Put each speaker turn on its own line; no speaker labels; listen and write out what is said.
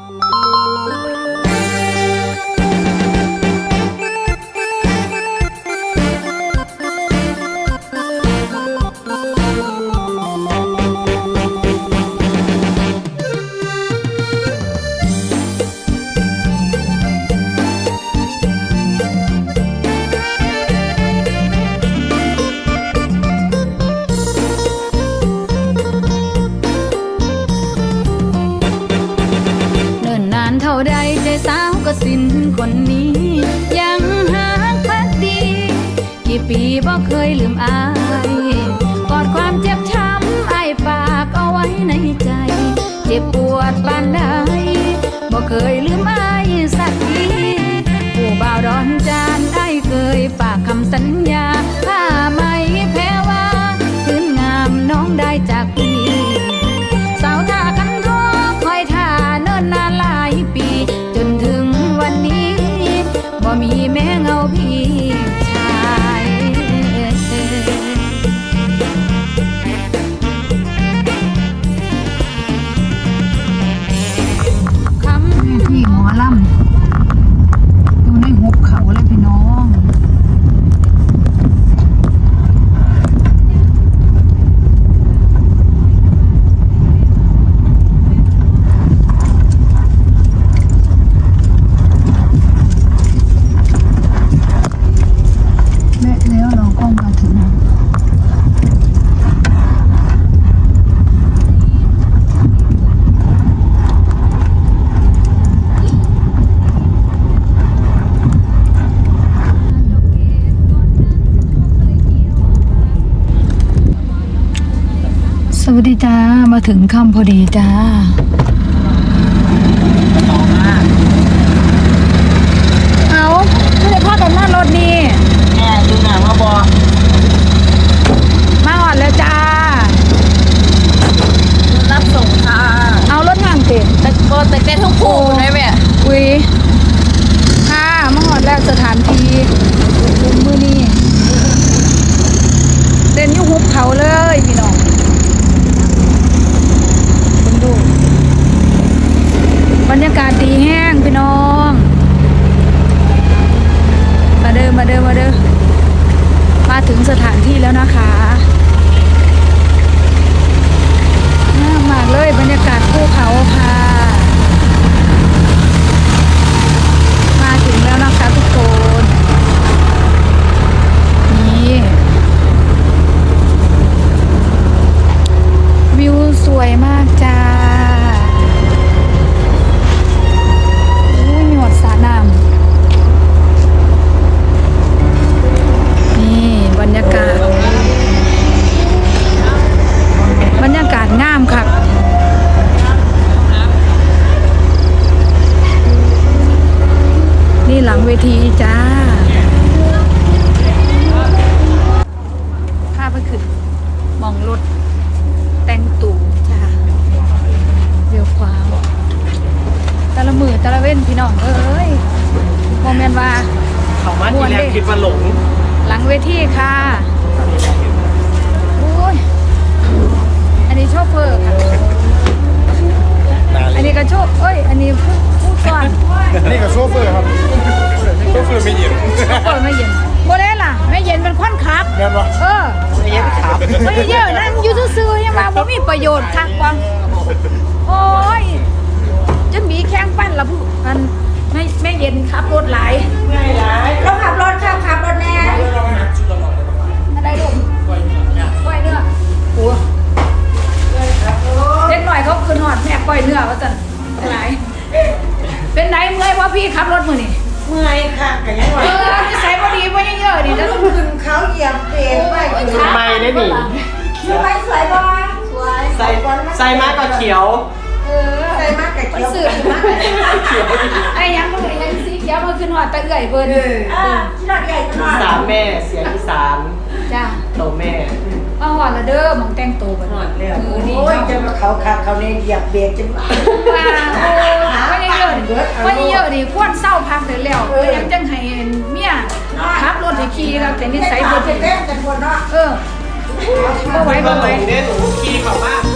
เท่าใดใจสาวก็สิ้นคนนี้ยังหาพักดีกี่ปีบ่เคยลืมอายกอดความเจ็บช้ำอ้ายฝากเอาไว้ในใจเจ็บปวดปานใดบ่เคยลืมอายสักทีผู้บ่าวดอนจานอ้ายเคยฝากคำสัญญาถ้าไม่แพ้ว่าคืนงามน้องได้จากพี่สาวท่ากันรอคอยท่าเนิ่นนานหลายปีจนถึงวันนี้บ่มีแม้เงาพี่ชายคำที่หมอลำอยู่ในหุบเขาเลยพี่น้องสวัสดีจ้ามาถึงค่ำพอดีจ้าเอาไม่ได้พากันมารถนี่
แม่ดูหนังมาบอ
มาหอดแล้วจ้า
รับส่งค่ะ
เอารถงานติด
แต่ก็แต่เต้นทุกคู่ได้ไหม
อุ้ยค่ะมาหอดแล้วสถานที่มือนี่เต้นอยู่หุบเขาเลยพี่น้องบรรยากาศดีแห้งพี่น้องมาเด้อมาถึงสถานที่แล้วนะคะน่ามากเลยบรรยากาศภูเขาค่ะมาถึงแล้วนะคะทุกคนนี่วิวสวยมากจ้าสระน้ำนี่บรรยากาศงามค่ะนี่หลังเวทีจ้าพาไปขึ้นมองรถแต่งตู่จ้าเรียวขวาตะละมือตะละเว้นพี่น้องเอ้ยโมเมนต์ว่า
เขามาที่แรกคิดว่าหลง
หลังเวทีค่ะโอ้ยอันนี้โชเฟอร์ค่ะอันนี้ก็โชเอ้ยอันนี้ผู้สอน
นี่ก็โชเฟอร์ครับโชเฟอร์ไม่เย็น
โมเดลล่ะไม่เย็นเป็นคนขับ
แม่นวะ
ไม่เย็นครับ
ไม่เยอะนั่งอยู่ซื่อๆยังมาบ่มีประโยชน์ทักวังโอ้ยจะมีแข้งปั้นละผู้มันไม่เย็นขับรถหลายเราขับรถแน่อะไรลูกกล้วยเนื้อโอ้เล็กหน่อยเขาคืนหอดแม่กล้วยเนื้อว่าสั่นหลายเป็นไหนเมื่อยเพราะพี่ขับรถมือนี่
เมื่อยค่ะกันยังไง
นิสัยพอดีพอเยอะๆดิแล้วต้อง
ขึ้นเขาเหยียบเบรกไม่ได้หนิ
ไม่สวยบ้างสวย
ใส่มากก็เขียว
ใส่มากกับเขียวสื่อมากไอ้ยังมันยังสีเขียวมาขึ้นหอดตะเอื่อยเพิ่น
ที่เราใหญ่ขนาด3แม่เสียอีสาน
จ้า
โตแม่
มาหอดละเด้อมองแต่งโตบัดหอดแล้ว
โอ้ยจะมาเขาเนี่ยเหยียบเบรกจนว่า
ว่าเยอะดิควรเศร้าพักได้แล้วยังจังให้เมียขับรถให้ขี่แล้วแต่นิสัยบ่ดี
แต่คนเนาะ
บ่ไหว
เนี่ยหนูขี่เขามาก